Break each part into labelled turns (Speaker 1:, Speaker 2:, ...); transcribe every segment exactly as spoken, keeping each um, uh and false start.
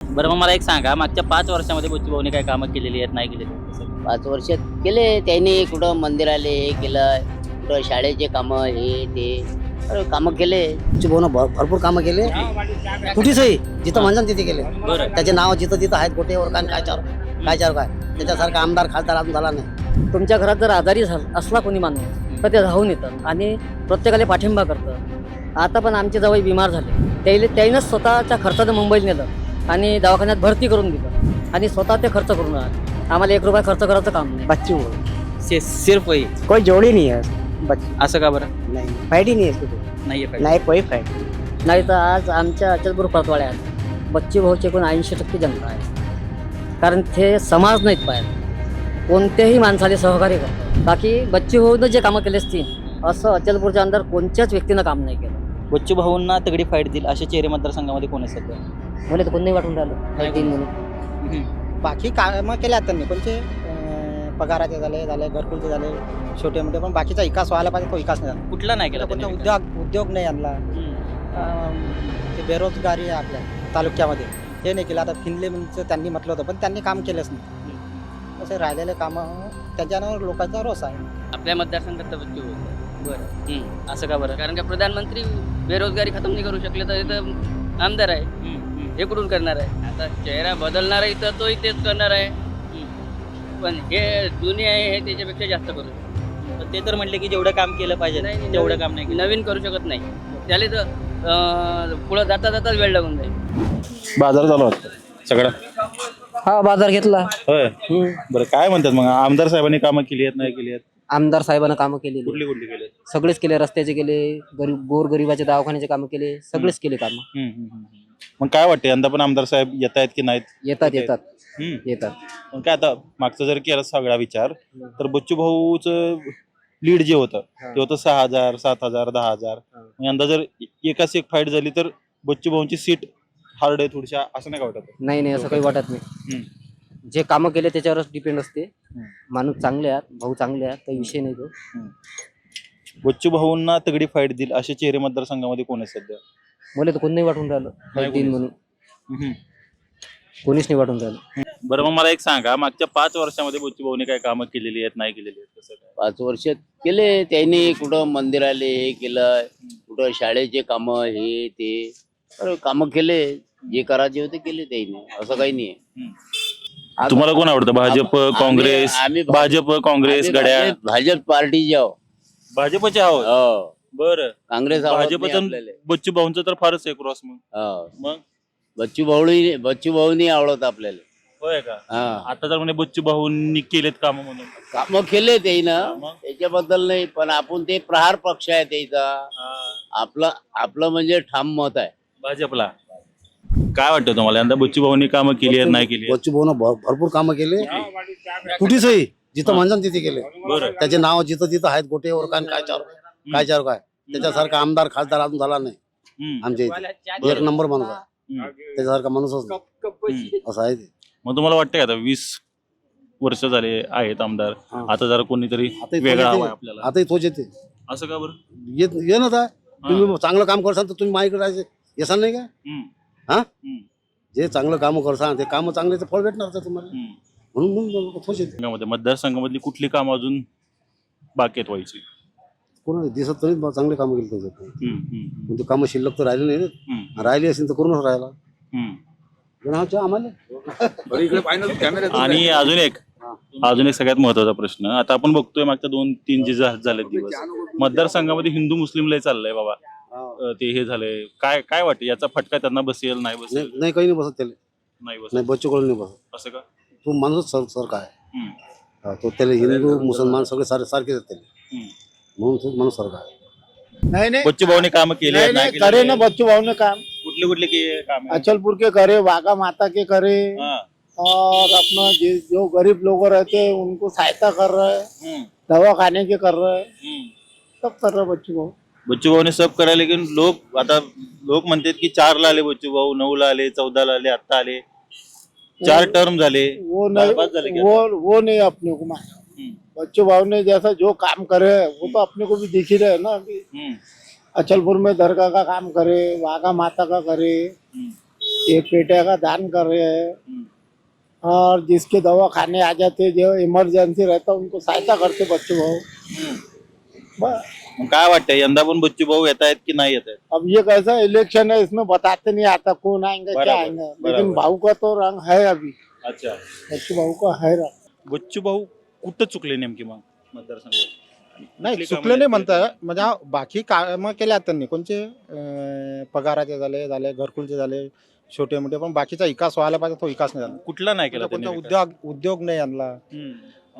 Speaker 1: बरं मग मला एक सांगा, मागच्या पाच वर्षामध्ये बच्चू भाऊनी काय कामं केलेली आहेत, नाही केलेली आहेत? कसं?
Speaker 2: पाच वर्षात केले त्यांनी. कुठं मंदिराले हे केलं, कुठं शाळेचे कामं हे ते अरे कामं केले. भाऊन भरपूर कामं केले. कुठेचही जिथं म्हणसान तिथे केले.
Speaker 1: बरं.
Speaker 2: त्याचे नाव जिथं तिथं आहेत गोटेवर काय काय चार काय चार काय त्याच्यासारखा आमदार खासदार अजून झाला नाही.
Speaker 3: तुमच्या घरात जर आजारी झाला असला कोणी माणूस तर ते धावून येतात आणि प्रत्येकाला पाठिंबा करतं. आता पण आमचे जवळ बिमार झाले, त्याला त्याईनंच स्वतःच्या खर्चानं मुंबईत नेलं आणि दवाखान्यात भरती करून दिलं आणि स्वतः ते खर्च करून आले. आम्हाला एक रुपया खर्च करायचं काम नाही.
Speaker 4: बच्चू
Speaker 1: से- सिर्फ वही.
Speaker 4: कोई जोड़ी नहीं है बच्चू,
Speaker 1: असं का बरं?
Speaker 4: नहीं फाइट ही नहीं है इसको,
Speaker 1: नाहीये पाहिजे.
Speaker 4: नहीं कोई फाइट नहीं.
Speaker 3: नाही तर आज आमच्या अचलपूर परतवाड्यात बच्चू भाऊचे एकूण ऐंशी टक्के जनता आहे. कारण ते समाज नाहीत पाहिजे, कोणत्याही माणसाला सहकार्य करतात. बाकी बच्चू भाऊनं जे कामं केले असतील असं अचलपूरच्या अंदर कोणत्याच व्यक्तीनं काम नाही केलं.
Speaker 1: बच्चू भाऊंना तगडी फाईट देईल असे चेहरे मतदारसंघामध्ये कोण आहे सध्या?
Speaker 3: मला तर कोण नाही वाटून राहिलं तीन म्हणून.
Speaker 5: बाकी कामं केल्या त्यांनी, कोणते अं, पगाराचे झाले झाले घरकुलचे झाले छोटे मोठे, पण बाकीचा विकास व्हायला पाहिजे, तो विकास नाही झाला.
Speaker 1: कुठला नाही केला
Speaker 5: कोणता
Speaker 1: त्यांनी?
Speaker 5: उद्योग उद्योग नाही आणला. अं, ते बेरोजगारी आहे आपल्या तालुक्यामध्ये, ते नाही केलं. आता फिनलेचं त्यांनी म्हटलं होतं पण त्यांनी काम केलंच नाही. असे राहिलेले कामं त्याच्यावर लोकांचा रोष आहे.
Speaker 6: आपल्या मतदारसंघात तर बच्चू भाऊ.
Speaker 1: बरं. हम्म. असं का बरं?
Speaker 6: कारण का प्रधानमंत्री बेरोजगारी खतम नाही करू शकले तर इथं आमदार आहे,
Speaker 1: हम्म, हम्म.
Speaker 6: हे कुठून करणार आहे? आता चेहरा बदलणार आहे तर तोही तेच करणार आहे, पण हे जुने आहे हे त्याच्यापेक्षा जास्त करू शकतो.
Speaker 1: पण ते तर म्हटले की जेवढं काम केलं पाहिजे
Speaker 6: नाही, नाही,
Speaker 1: तेवढं
Speaker 6: नवीन-
Speaker 1: काम नाही केलं.
Speaker 6: नवीन करू शकत नाही. त्याला तर अं, पुढं जाता जाताच वेळ लागून जाईल.
Speaker 7: बाजार झाला होता सगळा.
Speaker 3: हा बाजार घेतला.
Speaker 7: होय. बरं काय म्हणतात मग, आमदार साहेबांनी कामं केली आहेत नाही केली आहेत?
Speaker 3: आमदार साहेबांना कामं केलेली
Speaker 7: कुठली कुठली केली आहेत?
Speaker 3: सगळेच केले. रस्त्याचे केले, गरीब गोर गरिबाचे दवाखान्याचे कामं केले, सगळेच केले कामं.
Speaker 7: हम्म, हम्म, हम्म. मग काय वाटतं यंदा पण आमदार साहेब येत आहेत की नाहीत?
Speaker 3: येतात येतात
Speaker 7: हम्म.
Speaker 3: येतात.
Speaker 7: पण काय आता मागचा जर केला सगळा विचार तर बच्चू भाऊच लीड जे होतं ते होतं सहा हजार सात हजार दहा हजार. मग यंदा जर एकाच एक फाईट झाली तर बच्चू भाऊंची सीट हार्ड आहे थोडीशा, असं नाही का वाटत?
Speaker 3: नाही नाही असं काही वाटत नाही.
Speaker 7: हम्म.
Speaker 3: जे कामं केले त्याच्यावरच डिपेंड असते.
Speaker 7: हम्म.
Speaker 3: माणूस चांगले आहेत, भाऊ चांगले आहेत, काही विषय नाही तो.
Speaker 7: बच्चू भाऊंना तगडी फाईट देईल असे चेहरे मतदारसंघामध्ये कोण आहे सध्या?
Speaker 3: मला तर कोण नाही वाटून राहिलं
Speaker 7: नाही
Speaker 3: तीन
Speaker 7: कोणी.
Speaker 3: म्हणून.
Speaker 7: हम्म.
Speaker 3: कोणीच नाही वाटून राहिलं.
Speaker 7: बरं मग मला एक सांगा, मागच्या पाच वर्षामध्ये बच्चू भाऊने काय कामं केलेली आहेत नाही केलेली आहेत? कसं काय?
Speaker 2: पाच वर्षात केले त्यांनी. कुठं मंदिराले हे केलं, कुठं शाळेचे कामं हे ते अरे कामं केले. जे करायचे होते केले त्यांनी, असं काही नाही.
Speaker 7: हम्म. तुम्हाला कोण आवडतं, भाजप काँग्रेस?
Speaker 2: आम्ही-
Speaker 7: भाजप काँग्रेस
Speaker 2: आम्ही
Speaker 7: गड्या
Speaker 2: भाजप- भाजप पार्टी आहो.
Speaker 7: भाजपचे आहोत.
Speaker 2: हो.
Speaker 7: बरं.
Speaker 2: काँग्रेस आवडत नाही
Speaker 7: भाजपचं
Speaker 2: आपल्याला.
Speaker 7: बच्चू भाऊंचं तर फारच आहे क्रॉस. मग
Speaker 2: हो.
Speaker 7: मग
Speaker 2: बच्चू भाऊ बच्चू भाऊ नाही आवडत आपल्याला.
Speaker 7: होय का?
Speaker 2: हा.
Speaker 7: आता तर म्हणे बच्चू भाऊंनी केलेत काम म्हणून.
Speaker 2: कामं केले त्यानं,
Speaker 7: मग?
Speaker 2: त्याच्याबद्दल नाही. पण आपण ते प्रहार पक्ष आहे त्याचा. आपलं आपलं म्हणजे ठाम मत आहे
Speaker 7: भाजपला. काय वाटतं तुम्हाला, यंदा बच्चू भाऊंनी कामं केली आहेत नाही केली आहेत?
Speaker 2: बच्चू भाऊन भरपूर कामं केले. कुठेचही जिथं म्हणसान तिथे केले.
Speaker 7: बरं.
Speaker 2: त्याचे नाव जिथं तिथं आहेत गोटेवर काय काय चार काय चार काय त्याच्यासारखा आमदार खासदार अजून झाला नाही
Speaker 7: हम्म.
Speaker 2: आमच्या इथे. एक नंबर माणूस आहे
Speaker 7: हम्म.
Speaker 2: त्याच्यासारखा माणूसच नाही.
Speaker 7: हम्म.
Speaker 2: असं आहे ते.
Speaker 7: मग तुम्हाला वाटतं का आता वीस वर्ष झाले आहेत आमदार,
Speaker 2: हा.
Speaker 7: आता जरा कोणीतरी
Speaker 2: आता इथं
Speaker 7: वेगळा
Speaker 2: येते.
Speaker 7: हवाय आपल्याला,
Speaker 2: आताही तोच येते.
Speaker 7: असं का बरं?
Speaker 2: येत ये ना आता. तुम्ही चांगलं काम करसाल तर तुम्ही माझ्याकडे राहायचे येसाल नाही का?
Speaker 7: हम्म.
Speaker 2: हा.
Speaker 7: हम्म.
Speaker 2: जे चांगलं काम करसाल ते काम चांगले तर फळ भेटणार तर तुम्हाला.
Speaker 7: हम्म.
Speaker 2: म्हणून म्हणून तोच येते.
Speaker 7: संघामध्ये, मतदारसंघामधली कुठली कामं अजून बाकी आहेत व्हायची?
Speaker 2: कोणाला दिसत नाही बा, चांगले कामं केले त्याच्यात.
Speaker 7: हम्म. हम्म.
Speaker 2: पण ते कामं शिल्लक तर राहिले नाही ना.
Speaker 7: हम्म.
Speaker 2: राहिली असेल तर करूनच राहिला.
Speaker 7: हम्म.
Speaker 2: पण आमच्या आम्हाला
Speaker 7: आणि अजून एक अजून एक सगळ्यात महत्वाचा प्रश्न, आता आपण बघतोय मागच्या दोन तीन जे झा- झाले दिवस मतदारसंघामध्ये हिंदू मुस्लिम लय चाललंय बाबा. अं, ते हे झालंय, काय काय वाटतं याचा फटका त्यांना बसेल नाही
Speaker 2: नाही
Speaker 7: बसेल?
Speaker 2: नाही, काही नाही बसत त्याला.
Speaker 7: नाही बसेल.
Speaker 2: नाही बच्चू कडून नाही बसत.
Speaker 7: असं का?
Speaker 2: तो माणूस सर सारखा आहे.
Speaker 7: हम्म.
Speaker 2: हा, तो त्याला हिंदू मुसलमान सगळे सारे सारखेच आहेत त्याला.
Speaker 7: हम्म.
Speaker 2: म्हणून तो माणूस सारखा आहे.
Speaker 8: नहीं नहीं
Speaker 7: बच्चू भाऊने काम केले
Speaker 8: नहीं,
Speaker 7: आहेत, नाही
Speaker 8: नहीं
Speaker 7: केलेले
Speaker 8: करे
Speaker 7: आहेत?
Speaker 8: ना बच्चू भाव ने काम।
Speaker 7: कुठले कुठले के- काम आहे?
Speaker 8: अचलपुर के करे, वाघा माता के करे,
Speaker 7: हा.
Speaker 8: और अपना जे- जो गरीब लोग रहते हैं उनको सहायता कर रहे हैं,
Speaker 7: हम्म.
Speaker 8: दवा खाने के कर रहे हैं,
Speaker 7: हम्म.
Speaker 8: सब कर रहे हैं बच्चू भाव।
Speaker 7: बच्चू भाऊने सब करा, लेकिन लोक आता लोक म्हणतात की चार ला आले बच्चू भाऊ, नऊ ला आले, चौदा ला आले, आता आले, चार टर्म झाले,
Speaker 8: वो
Speaker 7: चार पाच झाले
Speaker 8: नहीं
Speaker 7: क्या?
Speaker 8: वो वो नहीं अपने को मालूम।
Speaker 7: हम्म.
Speaker 8: बच्चू भाव ने जैसा जो काम करे वो तो अपने को भी दिख ही रहे हैं ना कि
Speaker 7: हम्म.
Speaker 8: अचलपुर में दरगाह का काम करे, वाघा माता का करे,
Speaker 7: हम्म.
Speaker 8: ये पेटे का दान कर रहे हैं
Speaker 7: हम्म,
Speaker 8: और जिसके दवा खाने आ जाते जो इमरजेंसी रहता उनको सहायता करते बच्चू भाऊ।
Speaker 7: हम्म.
Speaker 8: बस
Speaker 7: मग काय वाटतं यंदा पण बच्चू भाऊ येत आहेत की नाही येत आहेत?
Speaker 8: अब ये कैसा इलेक्शन है इसमें बताते नहीं आता कौन आएंगे क्या
Speaker 7: बराबर,
Speaker 8: आएंगे,
Speaker 7: बराबर.
Speaker 8: लेकिन भाऊ का तो रंग है अभी,
Speaker 7: अच्छा,
Speaker 8: बच्चू भाऊ का है रंग।
Speaker 7: बच्चू भाऊ कुठं चुकले नेमकी मग मतदारसंघात?
Speaker 5: नाही
Speaker 7: कुठली
Speaker 5: चुकले
Speaker 7: कामं
Speaker 5: नाही
Speaker 7: केली
Speaker 5: म्हणताय
Speaker 7: त्यांनी?
Speaker 5: म्हणजे हा बाकी कामं केल्या आहेत त्यांनी कोणचे अं, पगाराचे झाले झाले घरकुलचे झाले छोटे मोठे, पण बाकीचा विकास व्हायला पाहिजे तो विकास नाही झाला.
Speaker 7: कुठला नाही केला
Speaker 5: कोणता
Speaker 7: त्यांनी
Speaker 5: उद्योग उद्योग नाही आणला.
Speaker 7: हम्म,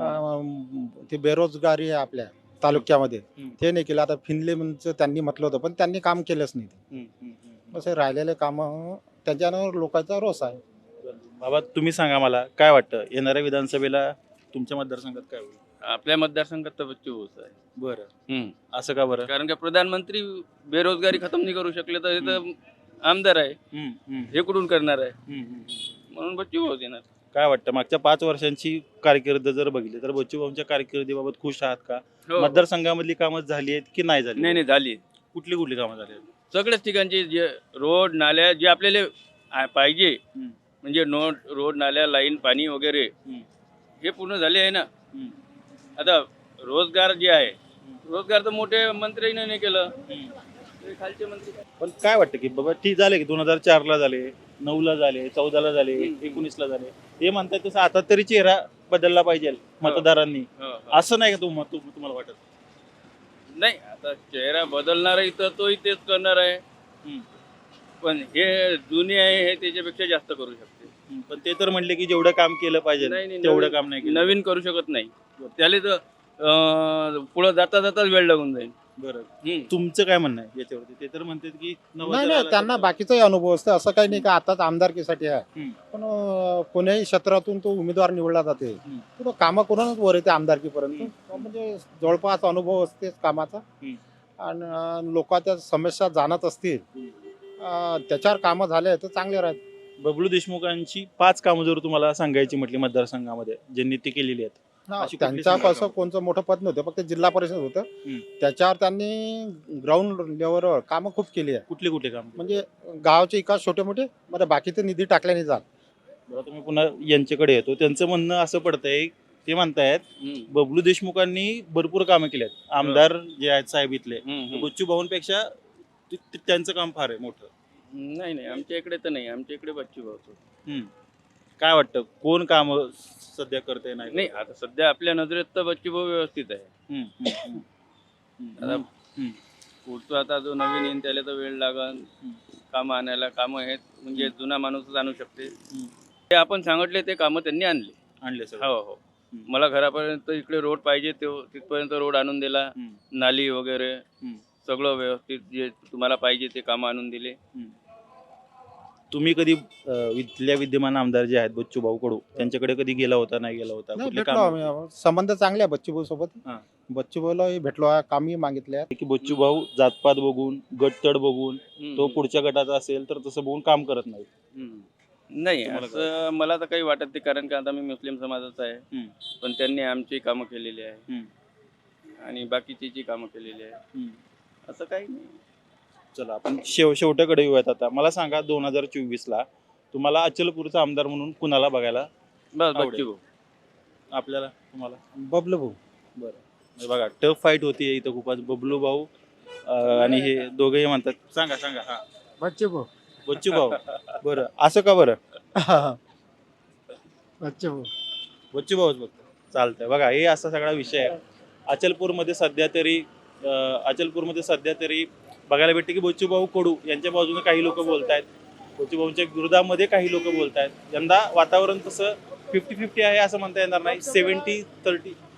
Speaker 5: अं, ते बेरोजगारी आहे आपल्या तालुक्यामध्ये
Speaker 7: हम्म.
Speaker 5: ते नाही केलं. आता फिनलेचं त्यांनी म्हटलं होतं पण त्यांनी काम केलंच नाही.
Speaker 7: हम्म, हम्म, हम्म.
Speaker 5: बस हे राहिलेले कामं त्यांच्यावर लोकांचा रोष आहे.
Speaker 7: बाबा तुम्ही सांगा मला काय वाटतं येणाऱ्या विधानसभेला तुमच्या मतदारसंघात काय होईल?
Speaker 6: आपल्या मतदारसंघात तर बच्चू भाऊच आहे.
Speaker 7: बरं,
Speaker 6: हम्म.
Speaker 7: असं का बरं?
Speaker 6: कारण की प्रधानमंत्री बेरोजगारी खतम नाही करू शकले तर हे तर आमदार आहे,
Speaker 7: हम्म, हम्म, हम्म,
Speaker 6: हे कुठून करणार आहे,
Speaker 7: हम्म.
Speaker 6: म्हणून बच्चू भाऊ येणार.
Speaker 7: काय वाटतं मागच्या पाच वर्षांची कारकीर्द जर बघितली तर बच्चू भाऊंच्या कारकिर्दीबाबत खुश आहात का?
Speaker 6: हो.
Speaker 7: मतदारसंघामधली कामं झाली आहेत की नाही झाली?
Speaker 6: नाही नाही झाली
Speaker 7: कुठली कुठली कामं झाली आहेत?
Speaker 6: सगळ्याच ठिकाणची जे रोड नाल्या जे आपल्याला आ- पाहिजे
Speaker 7: हम्म.
Speaker 6: म्हणजे नो रोड नाल्या लाईन पाणी वगैरे
Speaker 7: हम्म.
Speaker 6: हे पूर्ण झाले आहे ना.
Speaker 7: हम्म.
Speaker 6: आता रोजगार जे आहे रोजगार तर मोठे मंत्र्यांनी नाही केलं, ते खालचे मंत्री.
Speaker 7: पण काय वाटतं की बाबा ठीक झाले की दोन हजार चार ला झाले, नऊ ला झाले, चौदा ला झाले, एकोणीस ला झाले, हे म्हणतात तसं आता तरी चेहरा बदलला पाहिजे मतदारांनी,
Speaker 6: हो, हो.
Speaker 7: असं नाही का तुम- तुम- तुम्हाला वाटत?
Speaker 6: नाही आता चेहरा बदलणार आहे तर तोही तेच करणार आहे,
Speaker 7: हम्म.
Speaker 6: पण हे जुने आहे हे त्याच्यापेक्षा जास्त करू शकते.
Speaker 7: हम्म. पण ते तर म्हणले की जेवढं काम केलं पाहिजे
Speaker 6: नाही, नाही,
Speaker 7: तेवढं
Speaker 6: नवीन-
Speaker 7: काम नाही केलं.
Speaker 6: नवीन करू शकत नाही, त्याला तर अं, पुढं जाता जाताच वेळ लागून जाईल.
Speaker 7: बरं,
Speaker 6: हम्म.
Speaker 7: तुमचं काय म्हणणं आहे याच्यावरती? ते तर म्हणतात की नव्वद
Speaker 5: नाही नाही
Speaker 7: झाला
Speaker 5: त्यांना
Speaker 7: तर-
Speaker 5: बाकीचाही अनुभव असतो, असं काही नाही का आताच आमदारकीसाठी आहे.
Speaker 7: हम्म.
Speaker 5: पण अं, कोण्याही क्षेत्रातून तो उमेदवार निवडला जाते
Speaker 7: हम्म.
Speaker 5: पुढं कामं करूनच वर येते आमदारकीपर्यंत. म्हणजे जवळपास अनुभव असतेच कामाचा.
Speaker 7: हम्म.
Speaker 5: आणि अं, लोकांच्या समस्या जाणत असतील अं, त्याच्यावर कामं झाले तर चांगले राहते.
Speaker 7: बबलू देशमुखांची पाच कामं जर तुम्हाला सांगायची म्हटली मतदारसंघामध्ये ज्यांनी ती केलेली आहेत, अशी कुठली
Speaker 5: त्यांचा
Speaker 7: सांगा
Speaker 5: कसं
Speaker 7: कामं?
Speaker 5: कोणतं मोठं पद नव्हतं, फक्त जिल्हा परिषद होतं.
Speaker 7: हम्म.
Speaker 5: त्याच्यावर त्यांनी ग्राउंड लेवलवर कामं खूप केली आहे.
Speaker 7: कुठले कुठले काम?
Speaker 5: म्हणजे गावाचे विकास छोटे मोठे, म्हणजे बाकीचे निधी टाकले नाही जात.
Speaker 7: बरं, तुम्ही पुन्हा यांच्याकडे येतो. त्यांचं म्हणणं असं पडतंय, ते म्हणतायत
Speaker 6: हम्म.
Speaker 7: बबलू देशमुखांनी भरपूर कामं केली आहेत, आमदार जे आहेत साहेब इथले,
Speaker 6: हम्म, हम्म.
Speaker 7: बच्चू भाऊंपेक्षा ते- ते- त्यांचं काम फार आहे मोठं.
Speaker 6: नाही नाही आमच्या इकडे तर नाही, आमच्या इकडे बच्चू भाऊ.
Speaker 7: हम्म. काय वाटतं कोण काम सध्या करते नाही?
Speaker 6: नाही आता सध्या आपल्या नजरेत तर बच्चू भाऊ व्यवस्थित आहे.
Speaker 7: हम्म, हम्म, हम्म. हम्म.
Speaker 6: आता
Speaker 7: हम्म.
Speaker 6: पुढचं आता जो नवीन येईन त्याला तर वेळ लागल कामं आणायला. कामं आहेत म्हणजे जुना माणूसच आणू शकते.
Speaker 7: हम्म.
Speaker 6: ते आपण सांगितले ते कामं त्यांनी आणले.
Speaker 7: आणले सगळं.
Speaker 6: हो हो मला घरापर्यंत इकडे रोड पाहिजे ते तिथपर्यंत रोड आणून दिला,
Speaker 7: हम्म.
Speaker 6: नाली वगैरे
Speaker 7: हम्म.
Speaker 6: सगळं व्यवस्थित जे तुम्हाला पाहिजे ते कामं आणून दिले.
Speaker 7: तुम्ही कधी अं, इथल्या विद्यमान आमदार जे आहेत बच्चू भाऊ कडू त्यांच्याकडे कधी गेला होता नाही गेला होता?
Speaker 5: नाही
Speaker 7: कुठले
Speaker 5: भेटलो
Speaker 7: काम
Speaker 5: आम्ही. संबंध चांगले आहे बच्चूभाऊ सोबत.
Speaker 7: हां.
Speaker 5: बच्चूभाऊलाही भेटलो आहे, कामही मागितले.
Speaker 7: की बच्चू भाऊ जातपात बघून गटतड बघून
Speaker 6: हम्म.
Speaker 7: तो पुढच्या गटाचा असेल तर तसं बघून काम करत नाही?
Speaker 6: हम्म. नाही
Speaker 7: तुम्हाला
Speaker 6: असं मला तर काही वाटत नाही, कारण की आता मी मुस्लिम समाजाचा आहे.
Speaker 7: हम्म.
Speaker 6: पण त्यांनी आमची कामं केलेली आहे
Speaker 7: हम्म.
Speaker 6: आणि बाकीची जी कामं केलेली आहे
Speaker 7: हम्म.
Speaker 6: असं काही नाही.
Speaker 7: चला आपण शेव शेवटाकडे येऊयात आता. मला सांगा दोन हजार चोवीस ला तुम्हाला अचलपूरचा आमदार म्हणून कुणाला बघायला
Speaker 6: बस
Speaker 7: आवडेल.
Speaker 6: बच्चू भाऊ.
Speaker 7: आपल्याला तुम्हाला?
Speaker 5: बबलू भाऊ.
Speaker 7: बरं बघा टफ फाईट होती इथं खूपच. बबलू भाऊ अं, आणि हे दोघेही म्हणतात. सांगा सांगा. हा
Speaker 8: बच्चू भाऊ.
Speaker 7: बच्चू भाऊ. बरं असं का बरं?
Speaker 8: बच्चू भाऊ.
Speaker 7: बच्चू भाऊच बघतो चालतंय. बघा हे असा सगळा विषय आहे अचलपूरमध्ये सध्या तरी. अं, अचलपूरमध्ये सध्या तरी बघायला भेटते की बच्चू भाऊ कडू यांच्या बाजूने काही लोक बोलतायत, बच्चू भाऊंच्या विरोधामध्ये काही लोक बोलतायत. यंदा वातावरण तसं फिफ्टी फिफ्टी आहे असं म्हणता येणार नाही. Seventy thirty